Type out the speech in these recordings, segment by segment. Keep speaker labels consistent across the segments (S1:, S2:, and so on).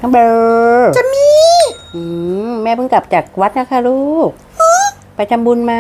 S1: น้องเบล
S2: จะมี
S1: แม่เพิ่งกลับจากวัดนะคะลูกไปทำบุญมา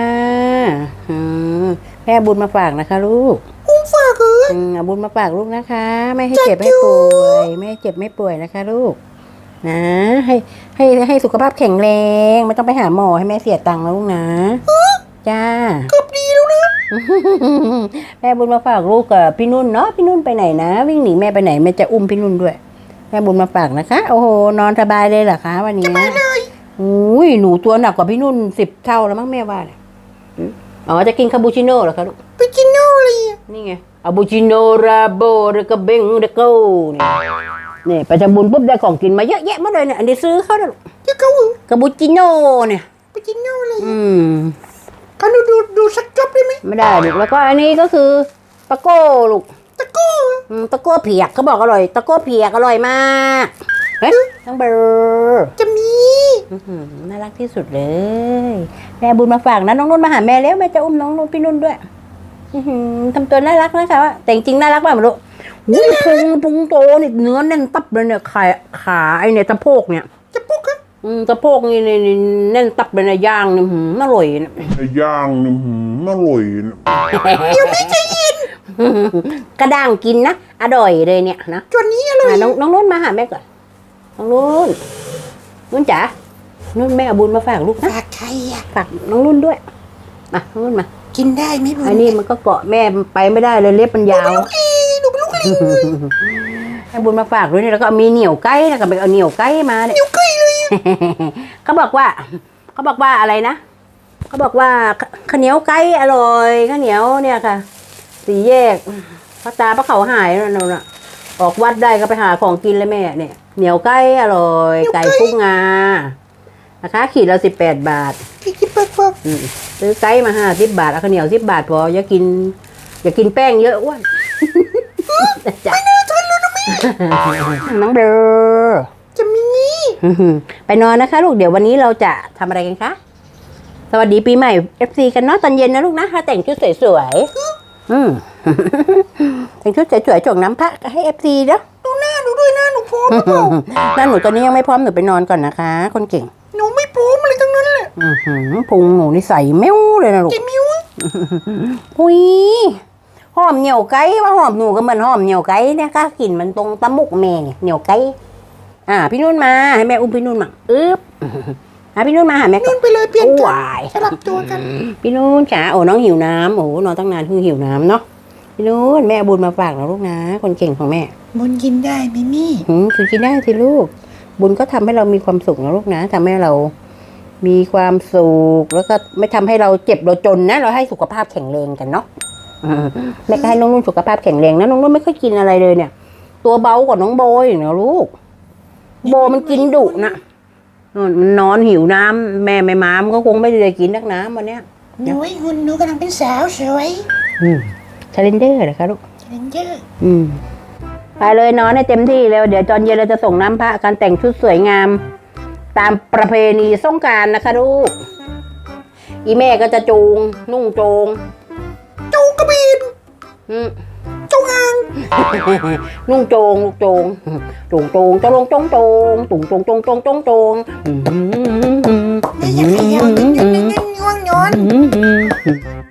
S1: แม่บุญมาฝากนะคะลูก
S2: ฝาก
S1: เอาบุญมาฝากลูกนะคะไม่ให้เจ็บให้ป่วยไม่ให้เจ็บไม่ป่วยนะคะลูกนะให้สุขภาพแข็งแรงไม่ต้องไปหาหมอให้แม่เสียตังค์นะลูกนะจ้า
S2: เกือบดีแล้วนะ
S1: แม่บุญมาฝากลูกกับพี่นุ่นเนาะพี่นุ่นไปไหนนะวิ่งหนีแม่ไปไหนแม่จะอุ้มพี่นุ่นด้วยแม่บุญมาฝากนะคะโอ้โหนอนสบายเลยเหรอคะวันนี้
S2: สบายเลย
S1: อุ้ยหนูตัวหนักกว่าพี่นุ่น10 เท่าแล้วมั้งแม่ว่าเนี่ยอ๋อจะกินคาปูชิโน่เหรอคะลูก
S2: ไปกินโน่เลย
S1: นี่ไงคาปูชิโน่ราโบเรกาเบงเดโก้เนี่ยไปทำบุญปุ๊บได้ของกินมาเยอะแยะมาเลยเนี่ยอันนี้ซื้อเขาเลย
S2: เจ้าเขา
S1: คาปูชิโน่เนี่ย
S2: ไปกินโน่เลยเขาดูสักจบได้ไหม
S1: ไม่ได้ลูกแล้วก็อันนี้ก็คือตะโก้ลูก
S2: ตะโก้
S1: ตะโก้เผียกเขาบอกอร่อยตะโก้เผียกอร่อยมากเฮ้ยน้องเบอร์
S2: จะมี
S1: น่ารักที่สุดเลยแม่บุญมาฝากนะน้องนุ่นมาหาแม่แล้วแม่จะอุ้มน้องนุ่นพี่นุ่นด้วยทำตัวน่ารักนะคะแต่จริงน่ารักมากไม่รู้พุงโตนี่เนื้อแน่นตับเลยเนี่ยขาไอเนี่ยสะโพกเนี่ย
S2: สะโพกครับ
S1: สะโพกนี่แน่นตับเลยนะย่างนี่อร่อยนะ
S3: ย่างนี่อร่อยนะ
S2: เดี๋ยวไม่ใจเย็น
S1: กระด้างกินนะอร่อยเลยเนี่ยนะ
S2: ตัวนี้อร่อย
S1: น้องนุ่นมาหาแม่ก่อนน้องนุ่นจ๋านุ่นแม่เอาบุญมาฝากลูกนะ
S2: ฝากใครอ่ะ
S1: ฝากน้องนุ่นด้วยมาน้องนุ่นมา
S2: กินได้ไหมบุญ
S1: อันนี้มันก็เกาะแม่ไปไม่ได้เลยเล็บมันยาว
S2: หนูเป็นลูกลิง
S1: ให้บุญมาฝากด้วยนี่แล้วก็มีเหนียวไก่แล้วก็ไปเอาเหนียวไก่มาเนี่ย
S2: เหนียวไก่เลย
S1: เขาบอกว่าอะไรนะเขาบอกว่าข้าวเหนียวไก่อร่อยข้าวเหนียวเนี่ยค่ะสี่แยกพระตาพระเขาหายนั่นน่ะออกวัดได้ก็ไปหาของกินเลยแม่เนี่ยเหนียวไก่อร่อยไก่กุ้งงานะคะขีดละ18 บาท
S2: 18 บาท
S1: ซื้อไก่มา50 บาทเอาข้าวเหนียว10 บาทพออย่ากินแป้งเยอะอ้วน
S2: ไม่น่าทันแล้วนะแม่
S1: น้องเบล
S2: จะมี
S1: ไปนอนนะคะลูกเดี๋ยววันนี้เราจะทำอะไรกันคะสวัสดีปีใหม่ FC กันเนาะตอนเย็นนะลูกนะถ้าแต่งชุดสวยแต่งชุดสวยๆจงน้ำพระให้ FC เนาะ
S2: ดูหน้าหนูด้วยหน้าหนูพร้อมหรือเปล่า
S1: หน้าหนูตอนนี้ยังไม่พร้อมหนูไปนอนก่อนนะคะคนเก่ง
S2: หนูไม่พร้อมอะไรทั้งนั้นแหละ
S1: พุงหนูนี่ใส่แมวเลยนะลูก
S2: จะมิ้ว
S1: หุยหอมเหนียวไก่ว่าหอมหนูก็เหมือนหอมเหนียวไก่เนี่ยค่ะกลิ่นมันตรงตะมุกแม่เนี่ยเหนียวไก่พี่นุ่นมาให้แม่อุ้มพี่นุ่นมาพี่นุ่นมาหาแม่
S2: นุ่นไปเลยเปลี่ยนกันสลับตัวกัน
S1: พี่นุ่นจ๋าโอ้น้องหิวน้ำโอ้นอนตั้งนานเพิ่งหิวน้ำเนาะพี่นุ่นแม่บุญมาฝากนะลูกนะคนเก่งของแม่
S2: บุญกินได้ไหมมี่
S1: คือกินได้สิลูกบุญก็ทำให้เรามีความสุขนะลูกนะทำให้เรามีความสุขแล้วก็ไม่ทำให้เราเจ็บเราจนนะเราให้สุขภาพแข็งแรงกันเนาะแม่ก็ให้น้องนุ่นสุขภาพแข็งแรงนะน้องนุ่นไม่ค่อยกินอะไรเลยเนี่ยตัวเบากว่าน้องโบอย่างนี้ลูกโบมันกินดุนะมันนอนหิวน้ำแม่ไม่มามันก็คงไม่ได้กินนักน้ำวันเนี้ย
S2: หุ่นหนูกำลังเป็นสาวสวย
S1: ชาเลนเดอร์เหรอคะลูก
S2: ชาเลนเดอร์
S1: ไปเลยนอนให้เต็มที่แล้วเดี๋ยวตอนเย็นเราจะส่งน้ำพระการแต่งชุดสวยงามตามประเพณีสงกรานต์นะคะลูกอีแม่ก็จะจูงนุ่งโจง
S2: กระบี่จงอาง
S1: นุ่งโจงลูกโจงจะลงตุงไม่
S2: อยากให้ยาวตึงง่วงนอน